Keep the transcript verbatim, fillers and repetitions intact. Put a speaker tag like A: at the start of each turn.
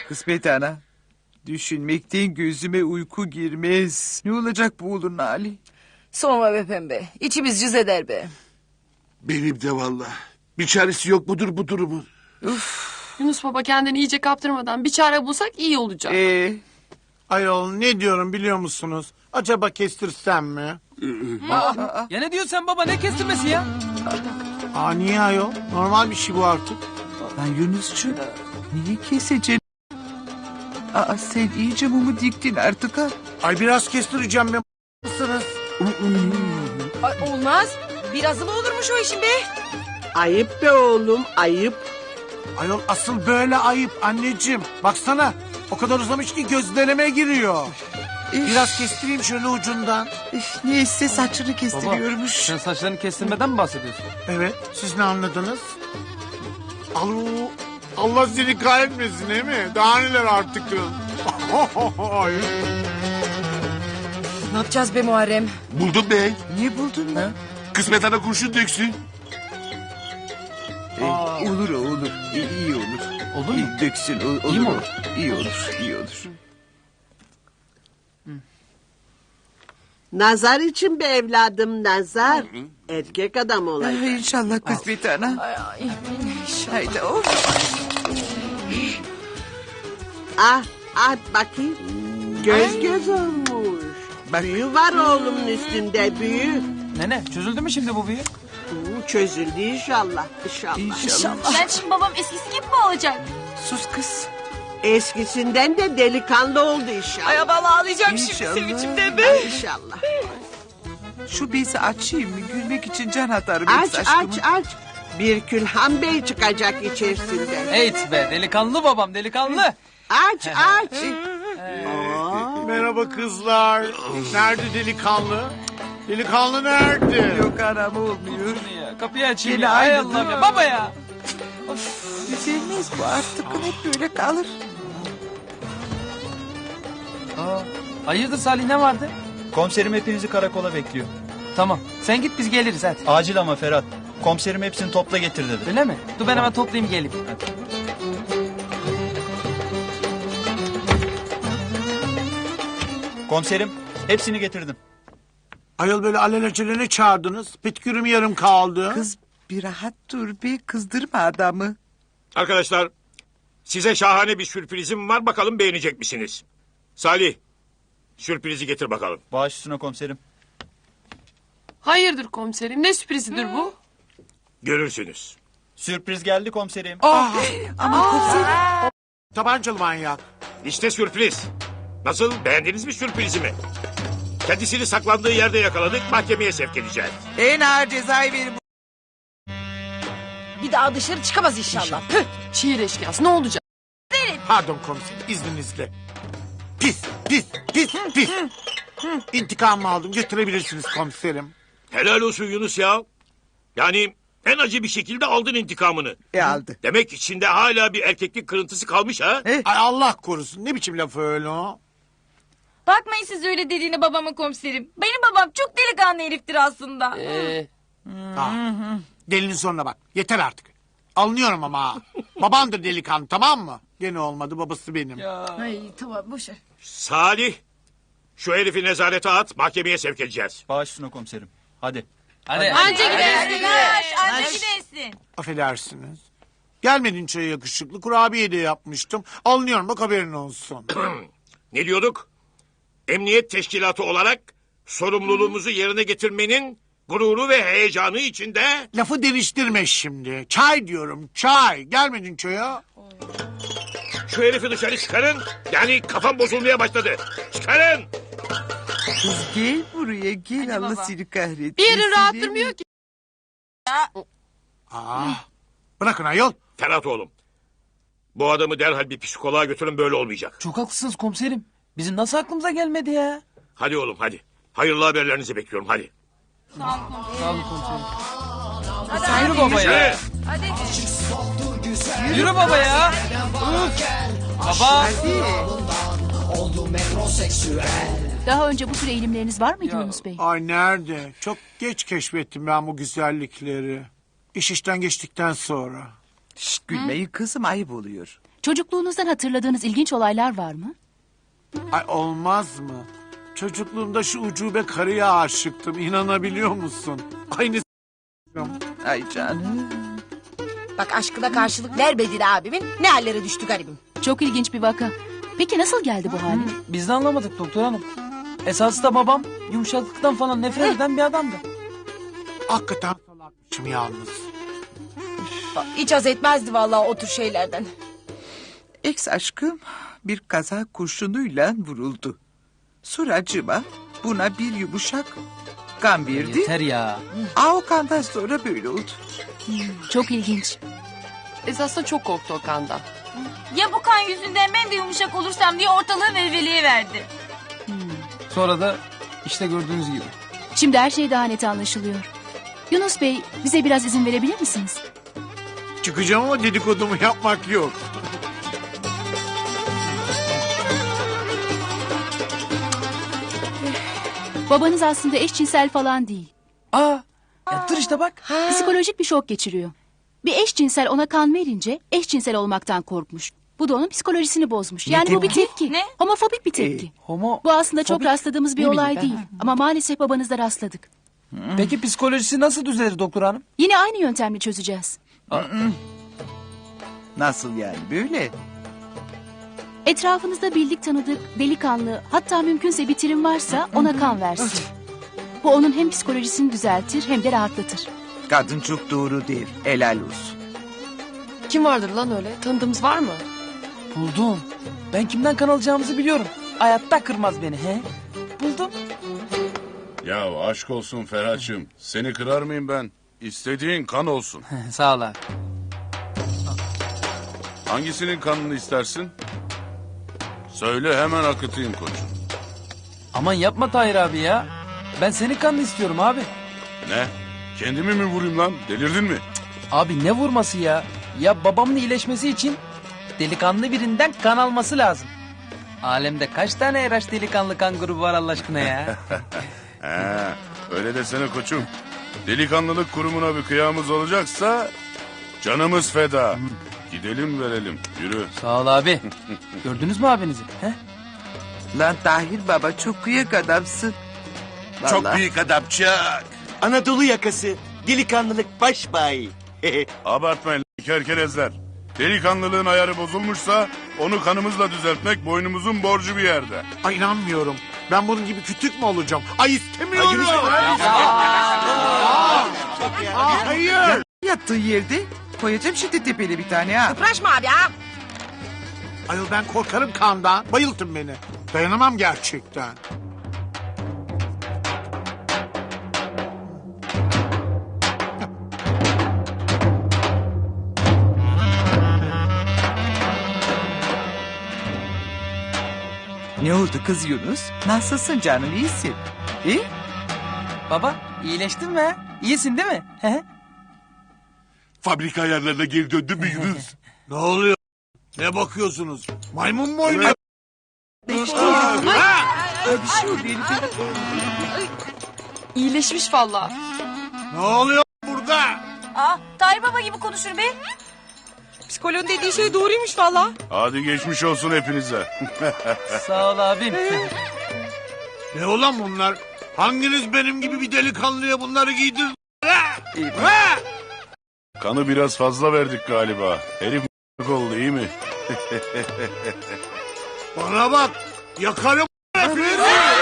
A: Kısmet ana. Düşünmekten gözüme uyku girmez. Ne olacak bu oğlun hali?
B: Sorma be pembe. İçimiz cız eder be.
C: Benim de valla. Bir çaresi yok mudur bu durumun?
D: Yunus baba kendini iyice kaptırmadan bir çare bulsak iyi olacak.
A: Ee,
E: Ayol ne diyorum biliyor musunuz? Acaba kestirsem mi?
F: Ya ne diyorsun sen baba, ne kestirmesi ya?
E: Aa niye ayol? Normal bir şey bu artık.
A: lan Yunus'cu niye keseceksin? Aa sen iyice mumu diktin artık ha.
E: Ay biraz kestireceğim ben mısınız?
B: Ay, olmaz. Birazı mı olurmuş o işin be?
G: Ayıp be oğlum, ayıp.
E: Ayol asıl böyle ayıp anneciğim. Baksana o kadar uzamış ki gözlerime giriyor. Biraz kestireyim şöyle ucundan.
A: Üf, neyse saçını kestiriyormuş.
F: Sen saçlarını kestirmeden mi bahsediyorsun?
E: Evet siz ne anladınız? Alo, Allah seni kahretmesin değil mi? Daha neler artık. Ay.
B: Ne yapacağız be Muharrem?
C: Buldum bey.
A: Niye buldun lan?
C: Kısmet ana kurşun döksün.
A: Ee, olur o olur. İyi, iyi olur.
F: Olur mu?
A: İyi döksün. o- olur
F: İyi mi
A: o.
F: olur?
A: İyi olur. İyi olur.
G: Nazar için be evladım, nazar. Erkek adam
A: Ay,
G: olacak.
A: inşallah kısmet ana.
B: Ay, ay,
A: Haydi of.
G: Ah, ah bakayım. Göz göz olmuş.
A: Bak.
G: Büyü var oğlumun üstünde, büyü.
F: Nene çözüldü mü şimdi bu büyü?
G: Uu, çözüldü inşallah, inşallah.
A: İnşallah.
H: Ben şimdi babam eskisi gibi mi olacak?
A: Sus kız.
G: Eskisinden de delikanlı oldu inşallah.
B: ay vallahi ağlayacağım şimdi
A: İnşallah.
B: sevinçimden be.
G: İnşallah.
A: Şu bezi açayım mı? Gülmek için can atarım.
G: Aç,
A: hepsi aşkımın.
G: aç, aç. Bir Külhan Bey çıkacak içerisinden.
F: Evet be, delikanlı babam, delikanlı.
G: Aç, aç.
E: Merhaba kızlar. Nerede delikanlı? Delikanlı nerede?
A: Yok anam olmuyor.
F: Ya, kapıyı açayım
A: Yine
F: ya, ay
A: aynı
F: Allah'ım
A: dur.
F: ya, baba ya.
A: Düzelmez bu artık. Hep böyle kalır.
F: Aa, hayırdır Salih, ne vardı?
I: Komiserim hepinizi karakola bekliyor.
F: Tamam, sen git biz geliriz hadi.
I: Acil ama Ferhat. Komiserim hepsini topla getir dedi.
F: Öyle mi? Dur ben hemen toplayayım geleyim. Hadi.
I: Komiserim hepsini getirdim.
E: Ayol böyle alelacele ne çağırdınız? Petkürüm yarım kaldı.
A: Kız bir rahat dur be. Kızdırma adamı.
J: Arkadaşlar, size şahane bir sürprizim var. Bakalım beğenecek misiniz? Salih, sürprizi getir bakalım.
I: Baş üstüne komiserim.
D: Hayırdır komiserim, ne sürprizidir bu?
J: Görürsünüz.
I: Sürpriz geldi komiserim.
A: Ama komiserim.
E: Tabancalı manyak.
J: İşte sürpriz. Nasıl, beğendiniz mi sürprizimi? Kendisini saklandığı yerde yakaladık, mahkemeye sevk edeceğiz.
A: En ağır cezayı verin.
B: Bir daha dışarı çıkamaz inşallah. Tüh.
D: Şiir eşkıyası ne olacak?
E: Pardon komiserim izninizle. Pis, pis, pis, pis. İntikamımı aldım götürebilirsiniz komiserim.
J: Helal olsun Yunus ya. Yani en acı bir şekilde aldın intikamını.
A: E aldı.
J: Demek içinde hala bir erkeklik kırıntısı kalmış ha?
A: Eh.
E: Ay Allah korusun ne biçim laf öyle o?
H: Bakmayın siz öyle dediğine babama komiserim. Benim babam çok delikanlı heriftir aslında.
D: Ee,
E: Ah, delinin sonuna bak yeter artık. Alınıyorum ama ha. Babandır delikanlı tamam mı? Gene olmadı babası benim.
B: Ay tamam boş ver.
J: Salih, şu herifi nezarete at, mahkemeye sevk edeceğiz.
I: Baş üstüne komiserim. Hadi.
F: Hadi.
H: Anca gidersin. Naş, anca gidersin.
E: Affedersiniz. Gelmedin çaya yakışıklı kurabiye de yapmıştım. Alınıyorum bak haberin olsun.
J: Ne diyorduk? Emniyet teşkilatı olarak sorumluluğumuzu yerine getirmenin gururu ve heyecanı içinde...
E: Lafı değiştirme şimdi. Çay diyorum çay. Gelmedin çaya.
J: Şu herifi dışarı çıkarın. Yani kafam bozulmaya başladı. Çıkarın.
A: Kız gel buraya gel. Allah
H: baba.
A: seni kahretsin.
D: bir yerin rahat durmuyor ki.
E: Ah, bırakın ayol.
J: Ferhat oğlum. Bu adamı derhal bir psikoloğa götürün, böyle olmayacak.
F: Çok haklısınız komiserim. Bizim nasıl aklımıza gelmedi ya?
J: Hadi oğlum hadi. Hayırlı haberlerinizi bekliyorum hadi.
F: Sağ olun komiserim. Yürü baba ya.
J: Yürü.
F: Yürü baba ya. Uf. Baba.
H: Daha önce bu tür eğilimleriniz var mıydı
F: Ya.
H: Yunus Bey?
E: Ay nerede? Çok geç keşfettim ben bu güzellikleri. İş işten geçtikten sonra.
A: Şşt gülmeyin kızım ayıp oluyor.
K: Çocukluğunuzdan hatırladığınız ilginç olaylar var mı?
E: Ay olmaz mı? Çocukluğumda şu ucube karıya aşıktım. İnanabiliyor musun? Aynı
A: Ay canım.
B: Bak aşkına karşılık vermediğin abimin ne hallere düştü garibim.
K: Çok ilginç bir vaka. Peki nasıl geldi bu hale?
F: Biz de anlamadık doktor hanım. Esası da babam yumuşaklıktan falan nefret eden bir adamdı.
E: hakikaten salakmışım yalnız.
B: Hiç haz etmezdi vallahi o tür şeylerden.
A: Ex aşkım bir kaza kurşunuyla vuruldu. Suracıma buna bir yumuşak kan verdi.
F: Yeter ya.
A: Aa, o kandan sonra böyle oldu.
K: Çok ilginç.
D: Esas da çok korktu o kandan.
H: Ya bu kan yüzünden ben de yumuşak olursam diye ortalığı velveleye verdi.
F: Sonra da işte gördüğünüz gibi.
K: Şimdi her şey daha net anlaşılıyor. Yunus Bey, bize biraz izin verebilir misiniz?
E: Çıkacağım ama dedikodumu yapmak yok.
K: Babanız aslında eşcinsel falan değil.
F: Aa, ya dur işte bak.
K: Psikolojik bir şok geçiriyor. Bir eşcinsel ona kan verince eşcinsel olmaktan korkmuş. Bu da onun psikolojisini bozmuş. Yani bu bir tepki.
H: Ne?
K: Homofobik bir tepki.
F: Homo.
K: Bu aslında çok
F: Fobik
K: rastladığımız bir
F: değil miydi
K: olay
F: be?
K: değil. Ama maalesef babanızda rastladık.
F: Peki psikolojisi nasıl düzelir doktor hanım?
K: Yine aynı yöntemle çözeceğiz.
A: Nasıl yani böyle?
K: Etrafınızda bildik tanıdık, delikanlı, hatta mümkünse bitirim varsa ona kan versin. Bu onun hem psikolojisini düzeltir hem de rahatlatır.
A: Kadın çok doğru değil. Helal olsun.
D: Kim vardır lan öyle? Tanıdığımız var mı?
F: Buldum. Ben kimden kan alacağımızı biliyorum. Hayatta kırmaz beni he. Buldum.
L: Ya aşk olsun Ferhat'cığım. Seni kırar mıyım ben? İstediğin kan olsun.
F: Sağ ol abi.
L: Hangisinin kanını istersin? Söyle hemen akıtayım koçum.
F: Aman yapma Tahir abi ya. Ben senin kanını istiyorum abi.
L: Ne? Kendimi mi vurayım lan? Delirdin mi?
F: Abi ne vurması ya? Ya babamın iyileşmesi için delikanlı birinden kan alması lazım. Alemde kaç tane eraş delikanlı kan grubu var Allah aşkına ya?
L: He, öyle desene koçum. Delikanlılık kurumuna bir kıyamız olacaksa canımız feda. Gidelim verelim. Yürü.
F: Sağ ol abi. Gördünüz mü abinizi? He?
A: Lan Tahir baba çok kıyak adamsın.
C: Çok
A: Vallahi.
C: büyük adam Çak.
M: Anadolu yakası, delikanlılık baş bay.
L: Abartmayın lan kerkerezler. Delikanlılığın ayarı bozulmuşsa onu kanımızla düzeltmek boynumuzun borcu bir yerde.
E: Ay inanmıyorum. Ben bunun gibi kütük mü olacağım? Ay istemiyorum. Aa, hayır.
A: Yattığı yerde koyacağım şimdi tepeli bir tane ha.
B: Kıpraşma abi ha.
E: Ayol ben korkarım kandan. Bayıltın beni. Dayanamam gerçekten.
A: Ne oldu kız Yunus? Nasılsın canım, iyisin? İyi?
F: Baba iyileştin mi? he? İyisin değil mi? He?
C: Fabrika ayarlarına geri döndün mü Yunus?
E: Ne oluyor? Ne bakıyorsunuz? Maymun mu oynuyor?
A: Bir şey oluyor.
D: İyileşmiş valla.
E: Ne oluyor burada?
H: Aa, Tahir Baba gibi konuşur be.
B: Psikoloğun dediği şey doğruymuş valla.
L: Hadi geçmiş olsun hepinize.
F: Sağ ol abim.
E: Ne olan bunlar? Hanginiz benim gibi bir delikanlıya bunları giydir?
L: Kanı biraz fazla verdik galiba. Herif oldu iyi mi?
E: Bana bak. Yakarım hepinizi.